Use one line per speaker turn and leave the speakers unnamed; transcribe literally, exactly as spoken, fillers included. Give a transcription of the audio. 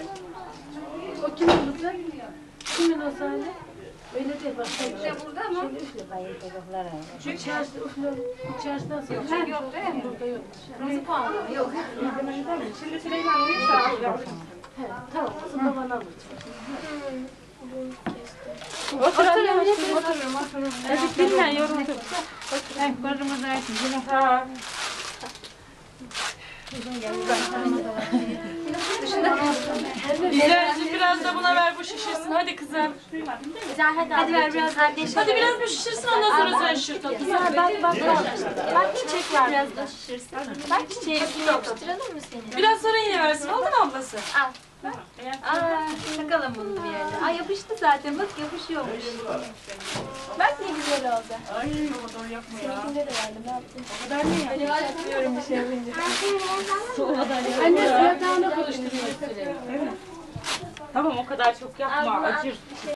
O kim olacak? Kimin o sahne? Öyle değil bak.
İşte burada mı?
Şimdi üfle bayıl çocuklara.
Şu çarşıda üfle. Çarşıdan sonra.
Yok, yok değil mi?
Burada yok.
Kırmızı puan mı? Yok.
Şimdi Süleyman uyursa
He, tamam. Kızım babana alır.
oturalım. Otururum, otururum. Hadi dinlen, yoruldum. Hem kırmızı versin. Yine ha.
Güzelce biraz da buna ver bu şişirsin. Hadi kızım.
Güzel hadi hadi ver biraz kardeşim.
Hadi biraz bu şişirsin ondan sonra sen şişirt.
Güzel bak bak bak. Bak çiçek var. Biraz da şişirsin. Bak çiçeği yapıştıralım mı seni?
Biraz sonra yine versin. Oldu mu ablası?
Al. Aa, takalım bunu bir yerde. Ay yapıştı zaten. Bak yapışıyormuş. Bak ne güzel oldu.
Ay baba doğru yapma ya.
Seninkinde de verdim. Ne yaptın?
O kadar mı ya?
Yapıyorum bir şey yapınca.
Anne suya dağına karıştırıyor.
Tamam o kadar çok yapma. Acır.